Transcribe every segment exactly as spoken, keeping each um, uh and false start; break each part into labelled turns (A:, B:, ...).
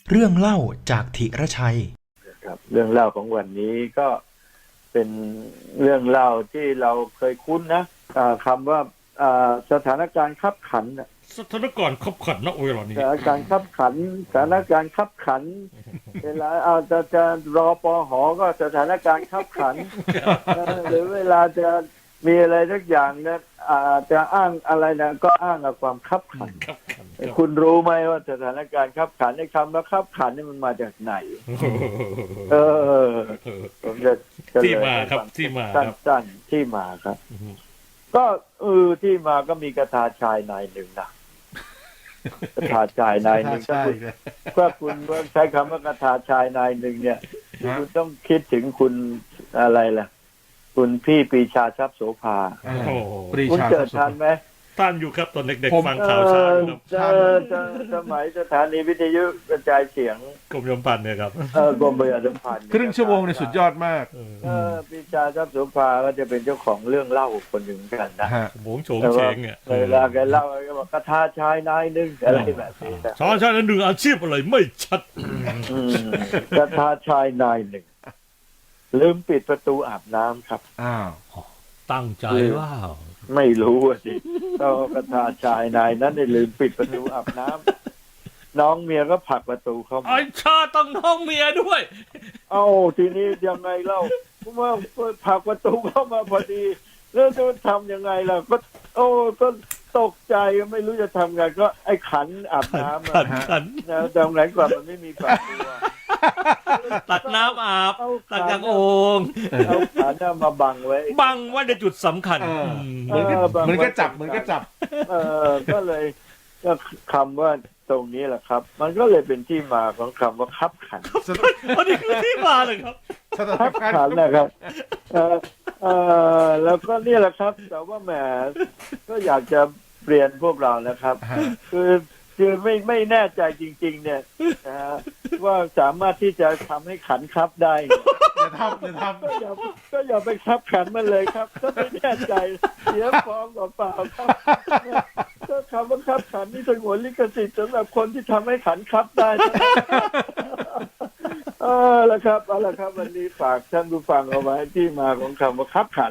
A: เรื่องเล่าจากธีรชัย
B: ครับเรื่องเล่าของวันนี้ก็เป็นเรื่องเล่าที่เราเคยคุ้นนะคำว่าสถานการณ์ขับขัน
C: สถานการณ์ขับขันนะเวลานี้
B: สถานการณ์ขับขันสถานการณ์ขับขันเวลาเอาจะจะรอปหก็สถานการณ์ขับขันหรือเวลาจะมีอะไรสักอย่างเนี่ยจะอ้างอะไรนะก็อ้างกับความขับขันคุณรู้ไหมว่าสถานการณ์ขับขันในคำว่าขับขันนี่มันมาจากไหนเออผมจะ
C: ที่มาครับที่มาครับ
B: สั้นๆที่มาครับก็เออที่มาก็มีกระทาชายนายหนึ่งนะกระทาชายนายหนึ่งถ้าคุณถ้าคุณใช้คำว่ากระทาชายนายหนึ่งเนี่ยคุณต้องคิดถึงคุณอะไรล่ะคุณพี่ปรีชาทรัพย์โสภาคุณเจอทันไหม
C: ท่านอยู่ครับตอนเด็กๆฟังข่าวเช้าครับ
B: สมัยสถานีวิทยุกระจายเสียง
C: กรมยมพันธ์เนี่ยครับ
B: เออกรมประชาสัมพันธ์
D: ครึ่งชั่วโมงในสุดยอดมาก
B: เออปรีชาทรัพย์โสภาก็จะเป็นเจ้าของเรื่องเล่าคนหนึ่งกันนะ
C: โหงโฉงเฉงเนี่ย
B: เวลาแกเล่าแกบอกกระทาชายนายหนึ่งอะไรแบบนี้
C: ชายชายนั้นหนึ่งอาชีพอะไรไม่ชัด
B: กระทาชายนายหนึ่งลืมปิดประตูอาบน้ำครับ
D: อ้าว
C: ตั้งใจว่า
B: ไม่รู้สิก็กระทาชายนายนั้นได้ลืมปิดประตูอาบน้ำน้องเมียก็ผลักประตูเข้ามา
C: ไอ้ชาต้องน้องเมียด้วย
B: เอ้าทีนี้ยังไงเล่าเพราะว่าผลักประตูเข้ามาพอดีแล้วจะทำยังไงล่ะก็โอ้ก็ตกใจไม่รู้จะทำไงก็ไอ้ขันอาบน้ำ
C: ขันขัน
B: นะแต่ไหนก่อนมันไม่มีฝาตัว
C: ตักน้ำอาบตักจากโอ่ง
B: เอาขันมาบังไว้
C: บังไว้ในจุดสำคัญ
D: เหมือนก็เหมือนก็จับเหมือนก็จับ
B: เออก็เลยก็คำว่าตรงนี้แหละครับมันก็เลยเป็นที่มาของคำว่าคับขัน
C: อันนี้คือที่มาเลยครับ
B: คับขันนะครับเออเออแล้วก็นี่แหละครับแต่ว่าแหมก็อยากจะเรียนพวกเรานะครับคือคือไม่ไม่แน่ใจจริงๆเนี่ยนะฮะว่าสามารถที่จะทำให้ขันคับได้
D: อย่าทำอย่าทำ
B: ก็อย่าก็อย่าไปคับขันมันเลยครับถ้าไม่แน่ใจเสียฟองเปล่าๆครับก็คำว่าคับขันนี่สงวนลิขสิทธิ์สำหรับคนที่ทำให้ขันคับได้เออแล้วครับเอาละครับวันนี้ฝากท่านผู้ฟังเอาไว้ที่มาของคำว่าคับขัน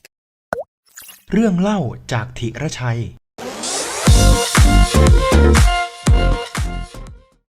A: เรื่องเล่าจากธีรชัย